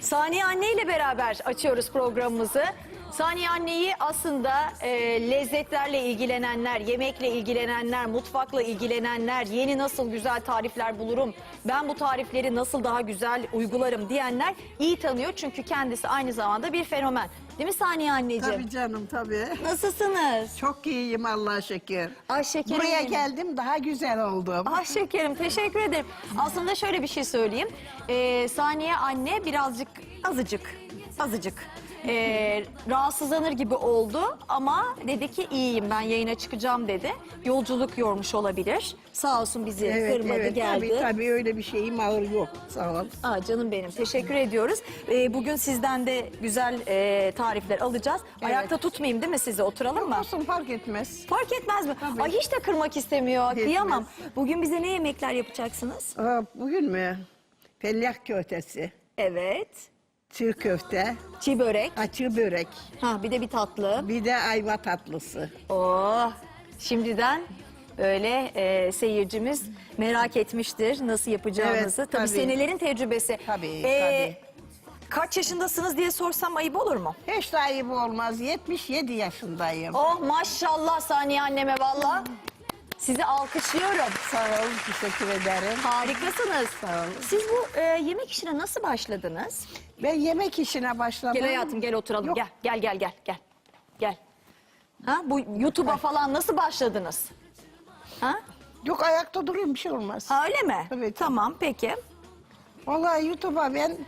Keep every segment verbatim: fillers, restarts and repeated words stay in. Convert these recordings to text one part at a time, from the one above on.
Saniye Anne ile beraber açıyoruz programımızı. Saniye Anne'yi aslında e, lezzetlerle ilgilenenler, yemekle ilgilenenler, mutfakla ilgilenenler, yeni nasıl güzel tarifler bulurum, ben bu tarifleri nasıl daha güzel uygularım diyenler iyi tanıyor. Çünkü kendisi aynı zamanda bir fenomen. Değil mi Saniye Anneciğim? Tabii canım tabii. Nasılsınız? Çok iyiyim Allah'a şükür. Ay şekerim. Buraya benim. geldim daha güzel oldum. Ah şekerim, teşekkür ederim. Aslında şöyle bir şey söyleyeyim. Ee, Saniye Anne birazcık, azıcık, azıcık ee, rahatsızlanır gibi oldu. Ama dedi ki iyiyim, ben yayına çıkacağım dedi. Yolculuk yormuş olabilir. Sağ olsun bizi kırmadı, geldi. Tabii tabii öyle bir şeyim ağır yok. Sağ ol. Aa, canım benim, teşekkür ediyoruz. Ee, bugün sizden de güzel e, tarifler alacağız. Evet. Ayakta tutmayayım değil mi sizi? Oturalım mı? Olsun fark etmez. Fark etmez mi? Tabii. Ay hiç de kırmak istemiyor. Etmez. Kıyamam. Bugün bize ne yemekler yapacaksınız? Aa, bugün mü? Fellah köftesi, Evet. çığ köfte, Çiğ börek. açı börek, Ha, bir de bir tatlı. bir de ayva tatlısı. Oh. Şimdiden böyle e, seyircimiz merak etmiştir nasıl yapacağınızı. Evet, tabii, tabii. senelerin tecrübesi. Tabii, Ee, Kaç yaşındasınız diye sorsam ayıp olur mu? Hiç de ayıp olmaz. yetmiş yedi yaşındayım. Oh maşallah Saniye anneme valla. Sizi alkışlıyorum. Sağ ol, teşekkür ederim. Harikasınız. Sağ olun. Siz bu e, yemek işine nasıl başladınız? Ben yemek işine başladım. Gel hayatım, gel oturalım. Yok. Gel, gel, gel, gel, gel. Gel. Ha, bu YouTube'a falan nasıl başladınız? Ha? Yok ayakta durayım bir şey olmaz. Ha, öyle mi? Evet. Tamam, peki. Vallahi YouTube'a ben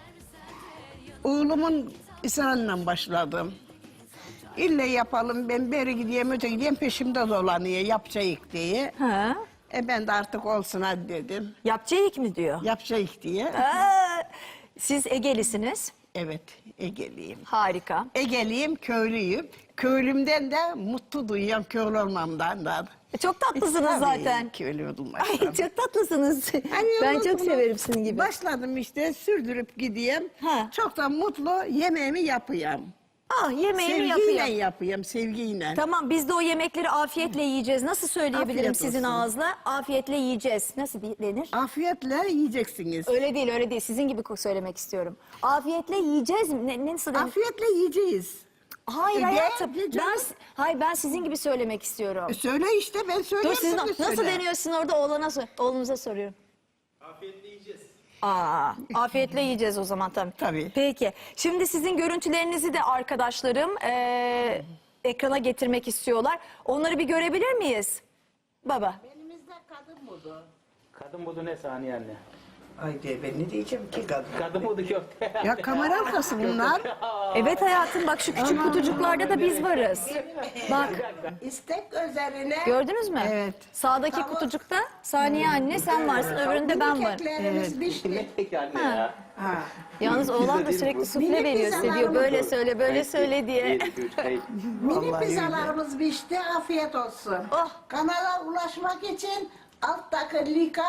oğlumun ısrarıyla başladım. İlle yapalım, ben beri gideyim, öte gideyim, peşimde dolanıyor, yapacağız diye. Ha? E ben de artık olsun hadi dedim. Yapacağız mi diyor? Yapacağız diye. Aa, siz Ege'lisiniz. Evet, Ege'liyim. Harika. Ege'liyim, köylüyüm. Köylümden de mutlu duyuyorum, köylü olmamdan da. E, Çok tatlısınız Tabii, zaten. köylü Ay, olmaktan. çok tatlısınız. Hani Ben ondan çok sonra severim sizin gibi. Başladım işte, sürdürüp gideyim. Ha. Çok da mutlu yemeğimi yapıyorum. Ah, yemeğimi Sevgiyle yapayım. yapıyorum, sevgiyle. Tamam, biz de o yemekleri afiyetle yiyeceğiz. Nasıl söyleyebilirim Afiyet sizin olsun. ağızla? Afiyetle yiyeceğiz. Nasıl denir? Afiyetle yiyeceksiniz. Öyle değil, öyle değil. Sizin gibi söylemek istiyorum. Afiyetle yiyeceğiz mi? Ne, nasıl denir? Afiyetle yiyeceğiz. Hayır E, hayatım. gel, gel Ben, canım. hayır ben sizin gibi söylemek istiyorum. E söyle işte, ben Dur söyleyeyim. siz sen de nasıl söyle. deniyorsun orada oğlana sor, oğlunuza soruyorum. Afiyetle yiyeceğiz. Aa, afiyetle yiyeceğiz o zaman tabii. Tabii. Peki. Şimdi sizin görüntülerinizi de arkadaşlarım eee, ekrana getirmek istiyorlar. Onları bir görebilir miyiz? Baba. Elimizde kadın modu. Kadın budu ne Saniye anne? Ay diye ben ne diyeceğim ki kadın? Kadın budu köfte. Ya kamera arkası bunlar. Evet hayatım bak şu küçük kutucuklarda da biz varız. Bak İstek üzerine. gördünüz mü? Evet. Sağdaki kutucukta Saniye anne sen varsın, öbüründe ben varım. Keklerimiz pişti. Ne peki anne ya? Ha. Yalnız oğlan da sürekli sufle Minik veriyor size diyor böyle söyle böyle söyle diye. Bir, iki, üç, kayıt. Mini Vallahi Pizzalarımız pişti, afiyet olsun. Oh. Kanala ulaşmak için alttaki linka.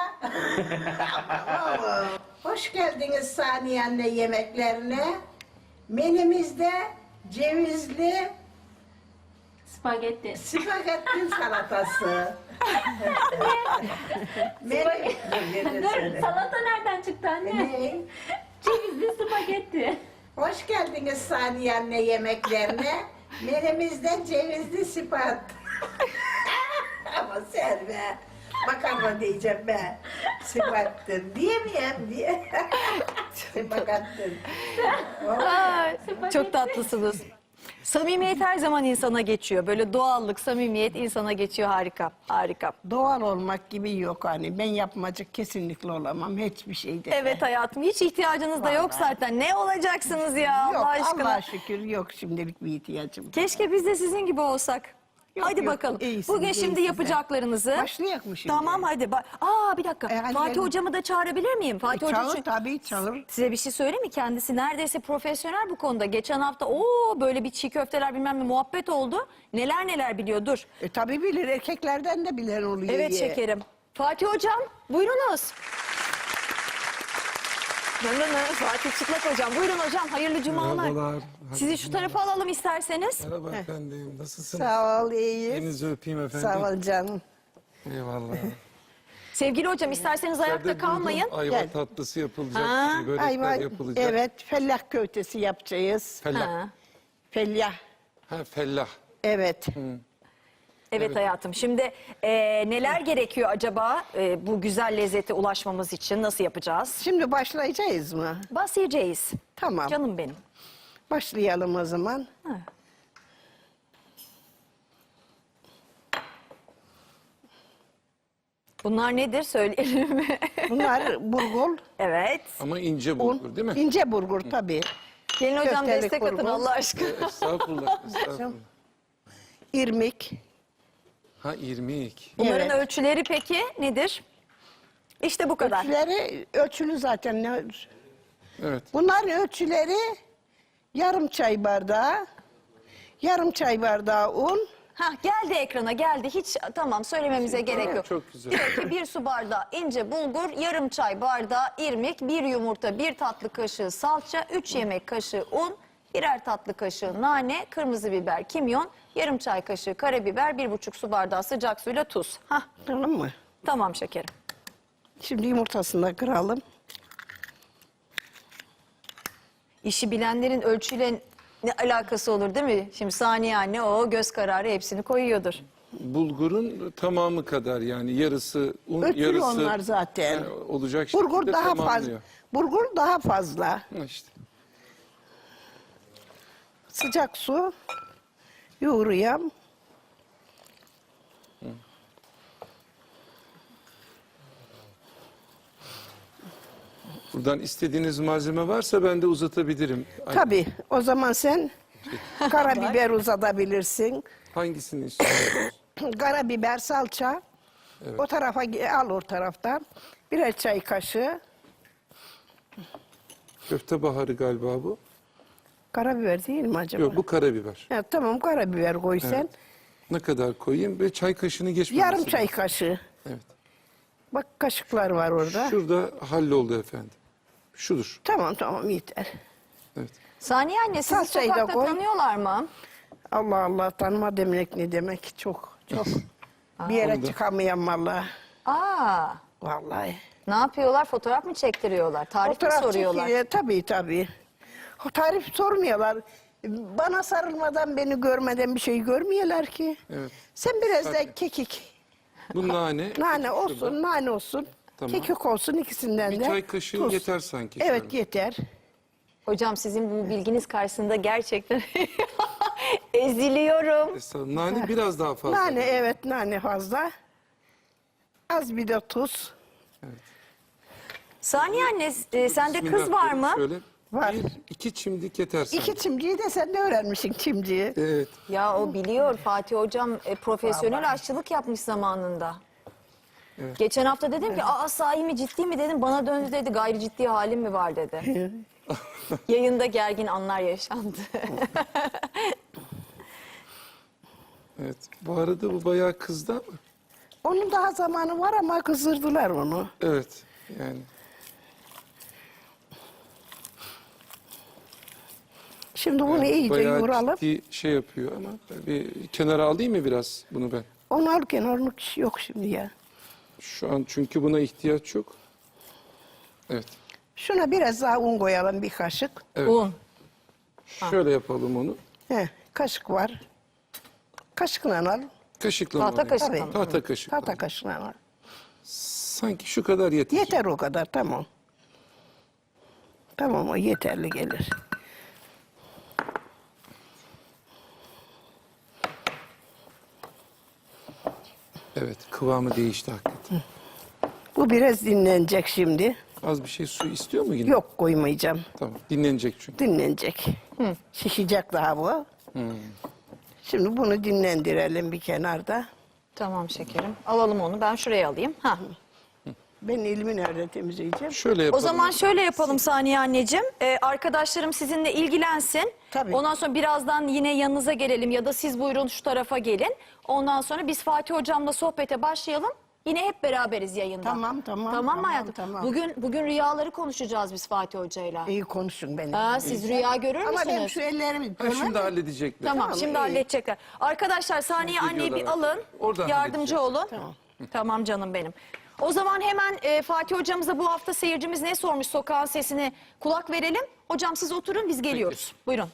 Hoş geldiniz Saniye anne yemeklerine. Menümüzde cevizli Spagetti. spagetti salatası. Menü... Dur, salata nereden çıktı anne? Ne? Cevizli spagetti. Hoş geldiniz Saniye anne yemeklerine. Menümüzde cevizli spagetti. Ama sen be. Makarna diyeceğim ben. Spagetti. Diyemeyeyim diye. Spagetti. Ay, çok tatlısınız. Samimiyet her zaman insana geçiyor. Böyle doğallık, samimiyet insana geçiyor. Harika, harika. Doğal olmak gibi yok hani. Ben yapmacık kesinlikle olamam hiçbir şeyde. Evet hayatım, hiç ihtiyacınız da yok zaten. Ne olacaksınız ya Yok Allah aşkına? Allah'a şükür yok şimdilik bir ihtiyacım. Keşke biz de sizin gibi olsak. Yok, Hadi yok, bakalım. iyisiniz, Bugün şimdi iyisiniz. yapacaklarınızı. Başlayak mı şimdi? Tamam hadi. Ba- Aa bir dakika. E, hadi Fatih gelin. hocamı da çağırabilir miyim? Fatih Hoca Çağır çünkü- tabii çağır. Size bir şey söyleyeyim mi? Kendisi neredeyse profesyonel bu konuda. Geçen hafta o böyle bir çiğ köfteler bilmem ne muhabbet oldu. Neler neler biliyor. Dur. E tabii bilir erkeklerden de bilen oluyor. Evet ye. şekerim. Fatih hocam buyurunuz. Dönün Fatih Çıtlak hocam. Buyurun hocam. Hayırlı cumalar. Merhabalar. Sizi şu tarafa alalım isterseniz. Merhaba efendim. Nasılsınız? Sağ ol iyiyiz. Elinizi öpeyim efendim. Sağ ol canım. Eyvallah. Sevgili hocam isterseniz ayakta İçeride kalmayın. duydum, ayva Gel. tatlısı yapılacak, Ha. börekler Ayva, yapılacak. evet, fellah köftesi yapacağız. Fellah. Ha. Fellah, Ha, fellah. evet. Evet, hayatım. Şimdi e, neler gerekiyor acaba e, bu güzel lezzete ulaşmamız için? Nasıl yapacağız? Şimdi başlayacağız mı? Başlayacağız. Tamam. Canım benim. Başlayalım o zaman. Bunlar nedir söyleyelim mi? Bunlar burgul, Evet. Ama ince un, bulgur değil mi? ince burgur tabii. Gelin hocam Köftelik destek atın burgu. Allah aşkına. Estağfurullah, estağfurullah. İrmik, Ha, irmik. Bunların Evet. ölçüleri peki nedir? İşte bu kadar. ölçüleri ölçülü zaten. Ne- Evet. Bunların ölçüleri yarım çay bardağı, yarım çay bardağı un, Ha geldi ekrana geldi. Hiç tamam söylememize gerek yok. Çok güzel. Diyor ki bir su bardağı ince bulgur, yarım çay bardağı irmik, bir yumurta, bir tatlı kaşığı salça, üç yemek kaşığı un, birer tatlı kaşığı nane, kırmızı biber, kimyon, yarım çay kaşığı karabiber, bir buçuk su bardağı sıcak suyla tuz. Hah, tamam mı? tamam şekerim. Şimdi yumurtasını da kıralım. İşi bilenlerin ölçüyle ne alakası olur değil mi? Şimdi Saniye anne o göz kararı hepsini koyuyordur. Bulgurun tamamı kadar yani yarısı un, Ölçülü yarısı onlar zaten. e, olacak şekilde Burgur daha fazla. tamamlıyor. Burgur daha fazla. Ha, işte. Sıcak su yoğuruyam. Buradan istediğiniz malzeme varsa ben de uzatabilirim. Ay, Tabii o zaman sen karabiber uzatabilirsin. Hangisini istiyorsunuz? Karabiber, salça. O tarafa ge- al o taraftan. Birer çay kaşığı. Köfte baharı galiba bu. Karabiber değil mi acaba? Yok, bu karabiber. Ha, tamam karabiber koy sen. Ne kadar koyayım ve çay kaşığını geçmemesi Yarım çay lazım. kaşığı. Evet. Bak kaşıklar var orada. Şurada halloldu efendim. Şudur. Tamam tamam yeter. Evet. Saniye anne sizi Salçayı da sokakta koy. tanıyorlar mı? Allah Allah tanıma demek ne demek çok çok. Bir yere Onu da- çıkamayan vallahi. Aa, Vallahi. ne yapıyorlar? Fotoğraf mı çektiriyorlar? Tarif mi Fotoğraf soruyorlar? çekiliyor. Tabii tabii. O tarif sormuyorlar. Bana sarılmadan beni görmeden bir şey görmüyorlar ki. Evet. Sen biraz da Zaten. kekik. Bu nane. Nane olsun, şurada. nane olsun. Tamam. Kekik olsun ikisinden Bir de. çay kaşığı tuz. yeter sanki. Evet şöyle. yeter. Hocam sizin bu bilginiz karşısında gerçekten eziliyorum. Estağfurullah. Nane biraz daha fazla. Nane evet nane fazla. Az bir de tuz. Saniye anne e, sende kız Bismillah var diyelim mı? Şöyle. Var. Bir, iki çimdik yeter sanki. İki çimciyi de sen de öğrenmişsin çimciyi. Evet. Ya o biliyor Fatih hocam e, profesyonel aşçılık yapmış zamanında. Geçen hafta dedim ki aa sahi mi ciddi mi dedim bana döndü dedi gayri ciddi halim mi var dedi. Yayında gergin anlar yaşandı. Evet. Bu arada bu bayağı kızdı ama. Onun daha zamanı var ama kızdırdılar onu. Evet. Yani Şimdi bunu iyice bayağı yoğuralım. ciddi şey yapıyor ama bir kenara alayım mı biraz bunu ben? Onu alırken onun yok şimdi ya. Şu an çünkü buna ihtiyaç yok. Evet. Şuna biraz daha un koyalım bir kaşık. Evet. Un. Şöyle yapalım onu. Heh, kaşık var. Kaşıkla al. Kaşıkla Tahta alayım. kaşıkla mı? Tahta kaşıkla. Tahta kaşıkla al. Sanki şu kadar yeter. Yeter o kadar tamam. Tamam o yeterli gelir. Evet, kıvamı değişti hakikaten. Bu biraz dinlenecek şimdi. Az bir şey su istiyor mu yine? Yok koymayacağım. Tamam, dinlenecek çünkü. Dinlenecek. Şişecek daha bu. Şimdi bunu dinlendirelim bir kenarda. Tamam şekerim. Alalım onu. Ben şuraya alayım. Ha. Ben elimi nerede temizleyeceğim? Şöyle O yapalım. zaman şöyle yapalım Saniye anneciğim. Ee, arkadaşlarım sizinle ilgilensin. Tabii. Ondan sonra birazdan yine yanınıza gelelim ya da siz buyurun şu tarafa gelin. Ondan sonra biz Fatih hocamla sohbete başlayalım. Yine hep beraberiz yayında. Tamam, tamam, Tamam mı tamam, hayatım? tamam. Bugün bugün rüyaları konuşacağız biz Fatih hocayla. İyi konuşun benim. Aa, siz rüya görür Ama ben müsünüz? şu ellerimi Ha, görmem şimdi de- halledecekler. Tamam, Tamam, şimdi iyi. halledecekler. Arkadaşlar Saniye Şimdi anneyi bir geliyorlar. alın. Oradan Yardımcı halledeceğiz. olun. Tamam. Tamam canım benim. O zaman hemen e, Fatih hocamıza bu hafta seyircimiz ne sormuş sokağın sesine kulak verelim. Hocam siz oturun biz geliyoruz. Buyurun.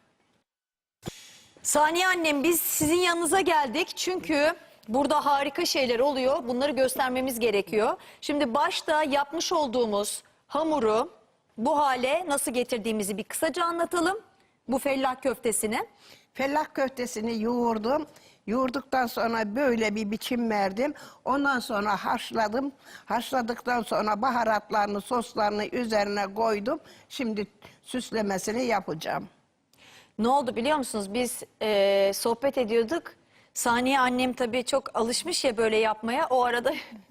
Saniye annem biz sizin yanınıza geldik çünkü burada harika şeyler oluyor. Bunları göstermemiz gerekiyor. Şimdi başta yapmış olduğumuz hamuru bu hale nasıl getirdiğimizi bir kısaca anlatalım. Bu fellah köftesini. Fellah köftesini yoğurdum. Yoğurduktan sonra böyle bir biçim verdim. Ondan sonra haşladım. Haşladıktan sonra baharatlarını, soslarını üzerine koydum. Şimdi süslemesini yapacağım. Ne oldu biliyor musunuz? Biz e, sohbet ediyorduk. Saniye annem tabii çok alışmış ya böyle yapmaya. O arada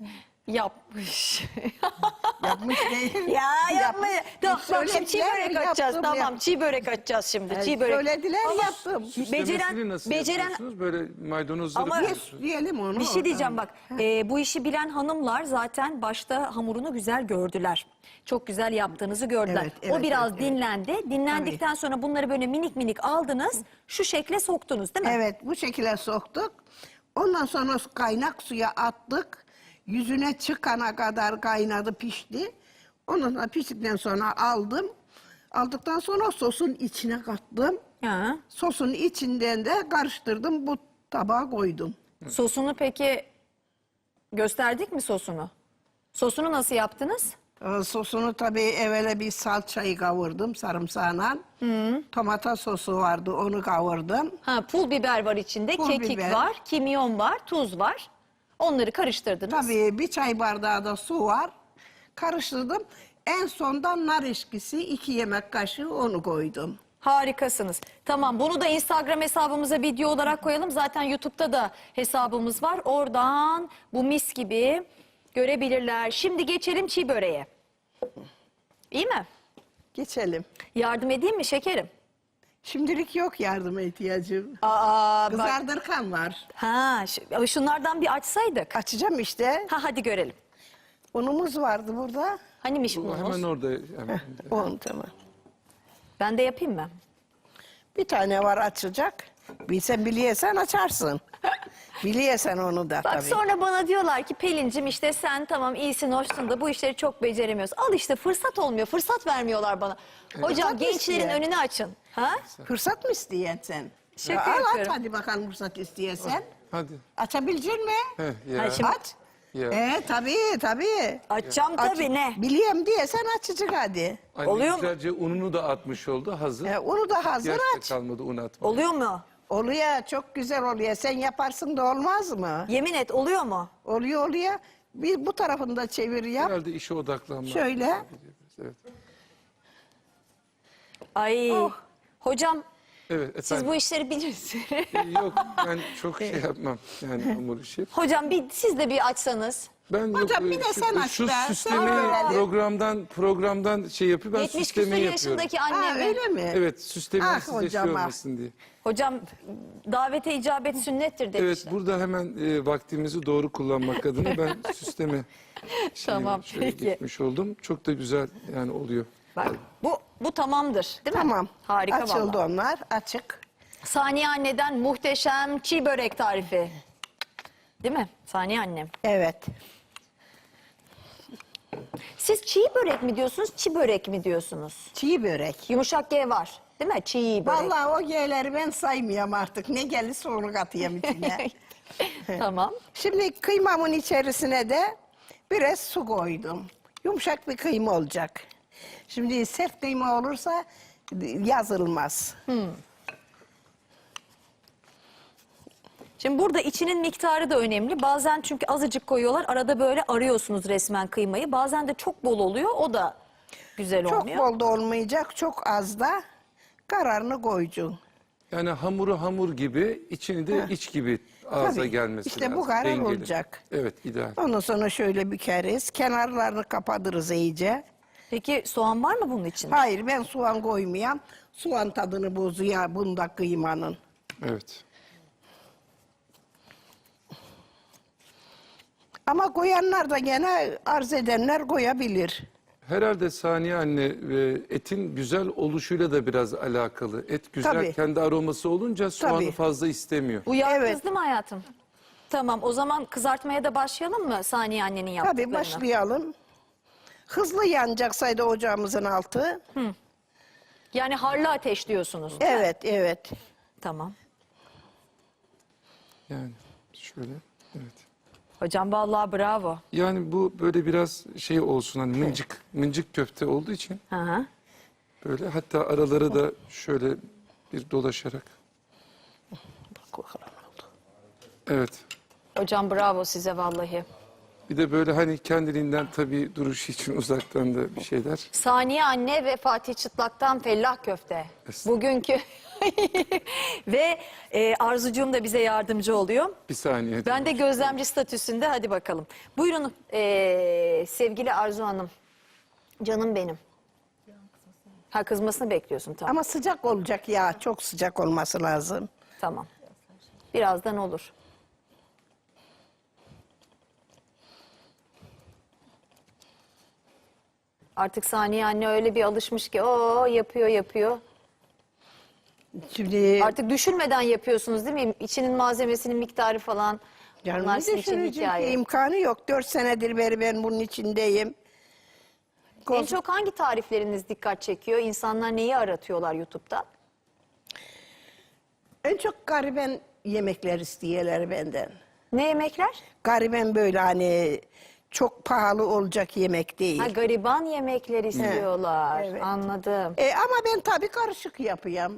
yapmış. Yapmış değil. ya yapma. Tamam, bak şimdi çiğ Söylediler, börek açacağız. yaptım, Tamam yaptım. çiğ börek açacağız şimdi. Çiğ börek. Söylediler Ama yaptım. Süslemesini Beceren, nasıl beceren yapıyorsunuz? Böyle maydanozları Ama- koyuyorsunuz. Diyelim onu. bir şey diyeceğim bak. E, bu işi bilen hanımlar zaten başta hamurunu güzel gördüler. Çok güzel yaptığınızı gördüler. Evet, o evet, biraz evet, evet. dinlendi. Dinlendikten sonra bunları böyle minik minik aldınız. Şu şekle soktunuz değil mi? Evet, bu şekilde soktuk. Ondan sonra kaynak suya attık. Yüzüne çıkana kadar kaynadı, pişti. Ondan sonra piştikten sonra aldım. Aldıktan sonra sosun içine kattım. Ha. Sosun içinden de karıştırdım, bu tabağa koydum. Sosunu peki gösterdik mi sosunu? Sosunu nasıl yaptınız? Ee, Sosunu tabii evvela bir salçayı kavurdum sarımsağına. Tomata sosu vardı, onu kavurdum. Ha, pul biber var içinde, Pul kekik biber. var, kimyon var, tuz var. Onları karıştırdınız. Tabii bir çay bardağı da su var. Karıştırdım. En sondan nar eşkisi iki yemek kaşığı onu koydum. Harikasınız. Tamam, bunu da Instagram hesabımıza video olarak koyalım. Zaten YouTube'da da hesabımız var. Oradan bu mis gibi görebilirler. Şimdi geçelim çiğ böreğe. İyi mi? Geçelim. Yardım edeyim mi şekerim? Şimdilik yok yardıma ihtiyacım. Aa, bak. Kızardırkan var. Ha, şu- şunlardan bir açsaydık. Açacağım işte. Ha, hadi görelim. Unumuz vardı burada. Hanimiş Bu bunumuz? hemen orada. Hemen. Un tamam. Ben de yapayım mı? Bir tane var açacak. Bilsen biliyorsan açarsın. Biliyorsan onu da Bak tabii. sonra bana diyorlar ki Pelincim işte sen tamam iyisin hoşsun da bu işleri çok beceremiyorsun. Al işte fırsat olmuyor. Fırsat vermiyorlar bana. Hocam Fırsat gençlerin isteyen. önünü açın. Ha? Fırsat mı isteyen sen? Şaka Al yapıyorum. aç hadi bakalım fırsat istiyorsan. Hadi. Açabilecek mi? Heh, ya. Ha, şimdi- Aç. Ya. Ee tabii tabii. Açacağım Aç- tabii ne? Biliyorum diye sen açacak hadi. Anne Oluyor mu? güzelce ununu da atmış oldu. Hazır. Ee, onu da hazır İhtiyaç da aç. kalmadı un atmaya. Oluyor mu? Oluyor çok güzel oluyor. Sen yaparsın da olmaz mı? Yemin et oluyor mu? Oluyor oluyor. Bir bu tarafını da çevir yap. Herhalde işe odaklanmak. Şöyle. Evet. Ay. Oh. Hocam Evet efendim. siz bu işleri bilirsiniz. Yok ben çok şey yapmam. Yani hamur işi. Hocam bir siz de bir açsanız. Ben Hocam, yok, bir de şu, sen aç şu be, sen süslemeyi öğren. programdan programdan şey yapıyor. Ben yetmiş süslemeyi küsur yapıyorum. yaşındaki Ha, annemi. öyle mi? Evet süslemeyi Ah, size şey hocam, ah. olmasın diye. Hocam davete icabet sünnettir demişler. Evet burada hemen e, vaktimizi doğru kullanmak adına ben süsleme şeyi Tamam, şöyle peki. gitmiş oldum. Çok da güzel yani oluyor. Bak, bu bu tamamdır değil mi? Tamam. Harika Açıldı vallahi. onlar. Açık. Saniye anneden muhteşem çiğ börek tarifi. Değil mi? Saniye annem. Evet. Siz çiğ börek mi diyorsunuz, çiğ börek mi diyorsunuz? Çiğ börek. Yumuşak G var. Değil mi? Çiğ börek. Vallahi o G'leri ben saymıyorum artık. Ne gelirse onu katayım içine. Tamam. Şimdi kıymamın içerisine de biraz su koydum. Yumuşak bir kıyma olacak. Şimdi sert kıyma olursa yazılmaz. Şimdi burada içinin miktarı da önemli. Bazen çünkü azıcık koyuyorlar. Arada böyle arıyorsunuz resmen kıymayı. Bazen de çok bol oluyor. O da güzel Çok olmuyor. bol da olmayacak, çok az da kararını koyacaksın. Yani hamuru hamur gibi, içini de iç gibi ağza Tabii. gelmesi İşte bu lazım. kadar dengeli. olacak. Evet ideal. Ondan sonra şöyle bükeriz. Kenarlarını kapatırız iyice. Peki soğan var mı bunun içinde? Hayır ben soğan koymayayım. Soğan tadını bozuyor bunda kıymanın. Evet. Ama koyanlar da gene arz edenler koyabilir. Herhalde Saniye anne e, etin güzel oluşuyla da biraz alakalı. Et güzel Tabii. kendi aroması olunca soğanı Tabii. fazla istemiyor. Uyardınız Evet. değil mi hayatım? Tamam, o zaman kızartmaya da başlayalım mı Saniye annenin yaptıklarını? Tabii başlayalım. Hızlı yanacaksaydı ocağımızın altı. Yani harlı ateş diyorsunuz. Evet, evet. Tamam. Yani şöyle, evet. Hocam vallahi bravo. Yani bu böyle biraz şey olsun hani mıncık, mıncık köfte olduğu için Hı hı. böyle hatta araları da şöyle bir dolaşarak. Evet. Hocam bravo size vallahi. Bir de böyle hani kendiliğinden tabii duruşu için uzaktan da bir şeyler. Saniye anne ve Fatih Çıtlak'tan fellah köfte. Estağfurullah. Bugünkü ve e, Arzucuğum da bize yardımcı oluyor. Bir saniye. Ben de gözlemci statüsünde, hadi bakalım. Buyurun e, sevgili Arzu Hanım. Canım benim. Ha, kızmasını bekliyorsun, tamam. Ama sıcak olacak ya. Çok sıcak olması lazım. Tamam. Birazdan olur. Artık Saniye anne öyle bir alışmış ki o yapıyor yapıyor. Şimdi Artık düşünmeden yapıyorsunuz değil mi? İçinin malzemesinin miktarı falan. canım Bunlar bir sizin için düşünecek hikaye. imkanı yok. Dört senedir beri ben bunun içindeyim. En çok hangi tarifleriniz dikkat çekiyor? İnsanlar neyi aratıyorlar YouTube'da? En çok gariben yemekler istiyorlar benden. Ne yemekler? Gariben böyle hani çok pahalı olacak yemek değil. Ha, gariban yemekler istiyorlar. Evet. Anladım. E, ama ben tabii karışık yapıyorum.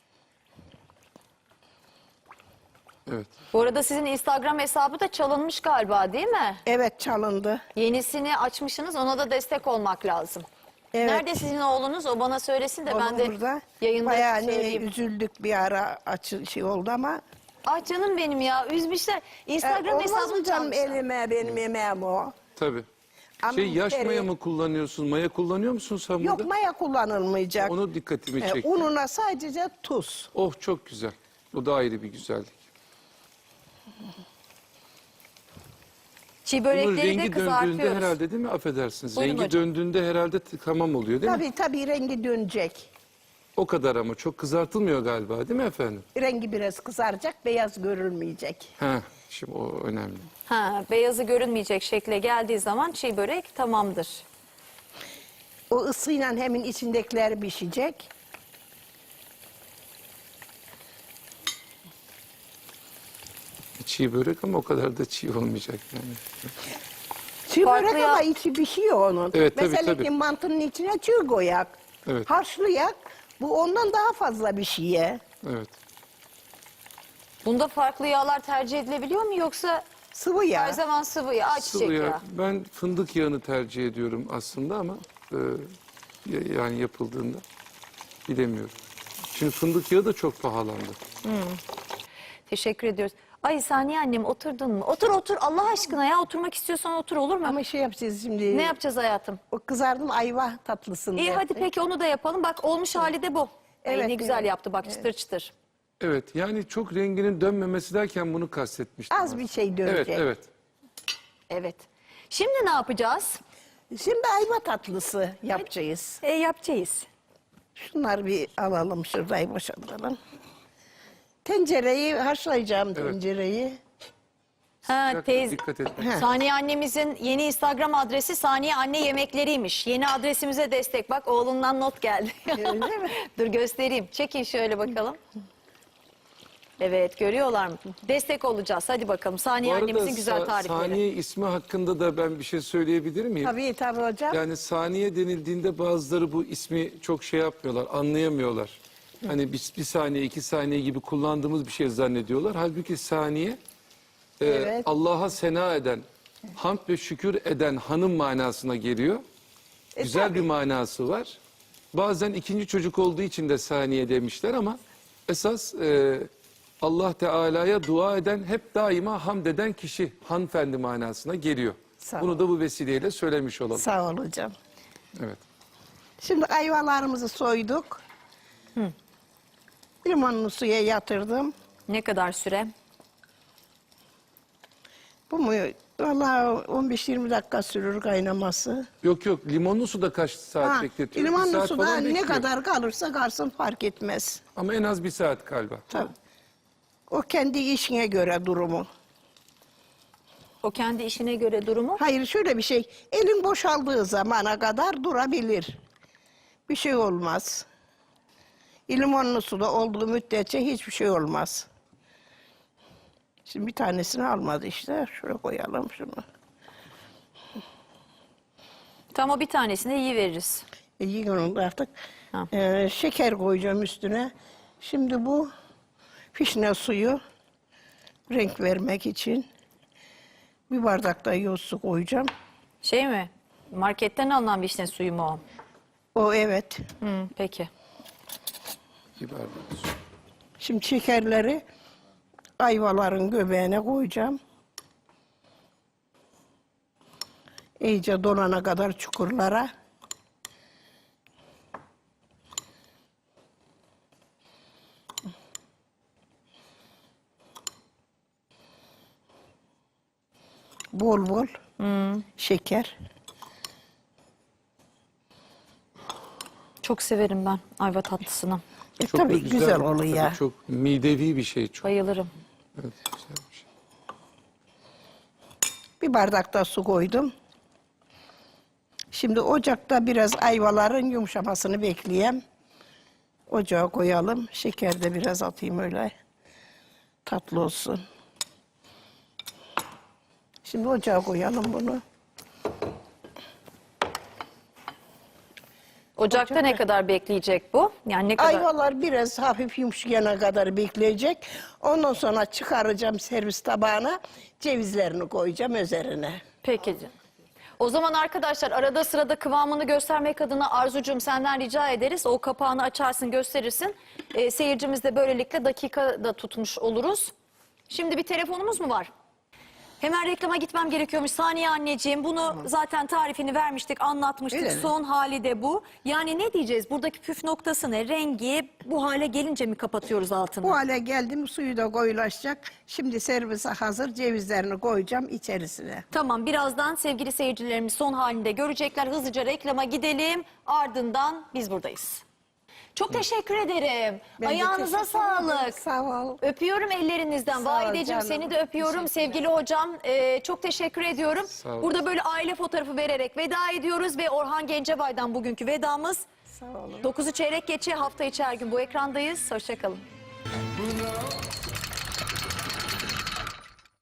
Evet. Bu arada sizin Instagram hesabı da çalınmış galiba değil mi? Evet çalındı. Yenisini açmışsınız, ona da destek olmak lazım. Evet. Nerede sizin oğlunuz? O bana söylesin de ben Onun de burada yayında bayağı hani söyleyeyim. üzüldük bir ara açı şey oldu ama. Ah canım benim ya, üzmüşler. E, Instagram olmaz hesabını mı canım çalmışlar. elime benim yemeğim o. Tabii. Ama Şey yaş müşteri- maya mı kullanıyorsun? Maya kullanıyor musun sen Yok burada? maya kullanılmayacak. Onu dikkatimi E, çekti. ununa sadece tuz. Oh çok güzel. O da ayrı bir güzellik. Çiğ Bunun börekleri de rengi döndüğünde kızartıyoruz. herhalde değil mi? Affedersiniz. Buyurun rengi hocam. döndüğünde herhalde t- tamam oluyor değil mi? Tabii tabii rengi dönecek. O kadar ama çok kızartılmıyor galiba değil mi efendim? Rengi biraz kızaracak, beyaz görülmeyecek. Ha, şimdi o önemli. Ha, beyazı görünmeyecek şekle geldiği zaman çiğ börek tamamdır. O ısıyla hemen içindekiler pişecek. Çiğ börek ama o kadar da çiğ olmayacak yani. Çiğ Farklı börek ya- ama içi pişiyor onun. Evet, tabii, Mesela tabii. ki mantının içine çiğ koyak. Evet. Harçlayak. Bu ondan daha fazla bir şeye. Evet. Bunda farklı yağlar tercih edilebiliyor mu yoksa Sıvı yağ. her zaman sıvı yağ, ayçiçek Sıvı yağ. yağı? Ben fındık yağını tercih ediyorum aslında ama e, ya- yani yapıldığında bilemiyorum. Şimdi fındık yağı da çok pahalandı. Teşekkür ediyoruz. Ay Saniye annem, oturdun mu? Otur otur Allah aşkına ya, oturmak istiyorsan otur, olur mu? Ama şey yapacağız şimdi. Ne yapacağız hayatım? O kızardım ayva tatlısını. İyi hadi yaptık. peki onu da yapalım. Bak olmuş hali de bu. Ay, Evet, ne güzel evet. yaptı bak, çıtır çıtır. Evet yani çok renginin dönmemesi derken bunu kastetmiştim. Az bir şey dönecek. Evet evet. Evet. Şimdi ne yapacağız? Şimdi ayva tatlısı yapacağız. E, yapacağız. Şunları bir alalım, şurayı boşaltalım. Tencereyi haşlayacağım, tencereyi. Ha, Dikkat- teyze. Dikkat et. Saniye annemizin yeni Instagram adresi Saniye Anne Yemekleriymiş. Yeni adresimize destek. Bak oğlundan not geldi. Öyle mi? Dur göstereyim. Çekin şöyle bakalım. Evet, görüyorlar mı? Destek olacağız. Hadi bakalım. Saniye Bu arada annemizin güzel Sa- tarifleri. Saniye ismi hakkında da ben bir şey söyleyebilir miyim? Tabii tabii hocam. Yani saniye denildiğinde bazıları bu ismi çok şey yapmıyorlar, anlayamıyorlar. Hani bir, bir saniye, iki saniye gibi kullandığımız bir şey zannediyorlar. Halbuki saniye e, Evet. Allah'a sena eden, hamd ve şükür eden hanım manasına geliyor. E, Güzel tabii. bir manası var. Bazen ikinci çocuk olduğu için de saniye demişler ama esas e, Allah Teala'ya dua eden, hep daima hamd eden kişi hanımefendi manasına geliyor. Sağ Bunu ol. da bu vesileyle söylemiş olalım. Sağ ol hocam. Evet. Şimdi ayvalarımızı soyduk. Limonlu suya yatırdım. Ne kadar süre? Bu mu? Vallahi on beş yirmi dakika sürür kaynaması. Yok yok, limonlu suda kaç saat Ha, bekletiyor? Bir limonlu saat suda falan ne bekliyor. kadar kalırsa kalsın fark etmez. Ama en az bir saat galiba. Tabii. O kendi işine göre durumu. O kendi işine göre durumu. Hayır şöyle bir şey. Elin boşaldığı zamana kadar durabilir. Bir şey olmaz. Limonlu suda olduğu müddetçe hiçbir şey olmaz. Şimdi bir tanesini almadı işte. Şuraya koyalım şunu. Tam o bir tanesini iyi veririz. E, yiyin onu da artık. Ha. Ee, şeker koyacağım üstüne. Şimdi bu fişne suyu renk vermek için bir bardak da yoz su koyacağım. Şey mi? Marketten alınan vişne suyu mu o? O evet. Hı, peki. Bir bardak su. Şimdi şekerleri ayvaların göbeğine koyacağım. İyice donana kadar çukurlara. Bol bol şeker. Çok severim ben ayva tatlısını. E, Çok da tabii güzel, oluyor. tabii çok midevi bir şey çok. Bayılırım. Evet, güzel bir şey. Bir bardak da su koydum. Şimdi ocakta biraz ayvaların yumuşamasını bekleyeyim. Ocağa koyalım. Şeker de biraz atayım öyle. Tatlı olsun. Şimdi ocağa koyalım bunu. Ocakta ne kadar bekleyecek bu? Yani ne kadar? Ayvalar biraz hafif yumuşayana kadar bekleyecek. Ondan sonra çıkaracağım servis tabağına. Cevizlerini koyacağım üzerine. Peki. O zaman arkadaşlar arada sırada kıvamını göstermek adına Arzucuğum senden rica ederiz. O kapağını açarsın gösterirsin. Ee, seyircimiz de böylelikle dakika da tutmuş oluruz. Şimdi bir telefonumuz mu var? Hemen reklama gitmem gerekiyormuş. Saniye anneciğim bunu zaten tarifini vermiştik, anlatmıştık. Öyle mi? Son hali de bu. Yani ne diyeceğiz? Buradaki püf noktası ne? Rengi bu hale gelince mi kapatıyoruz altını? Bu hale geldim, suyu da koyulaşacak. Şimdi servise hazır, cevizlerini koyacağım içerisine. Tamam, birazdan sevgili seyircilerimiz son halinde görecekler. Hızlıca reklama gidelim. Ardından biz buradayız. Çok teşekkür ederim. Ben de Ayağınıza teşekkür ederim. sağlık. Sağ ol. Öpüyorum ellerinizden. Sağ ol Valideciğim canım. seni de öpüyorum. Sevgili hocam e, çok teşekkür ediyorum. Sağ ol. Burada böyle aile fotoğrafı vererek veda ediyoruz ve Orhan Gencebay'dan bugünkü vedamız. Sağ olun. dokuzu çeyrek geçe hafta içi her gün bu ekrandayız. Hoşçakalın. Buna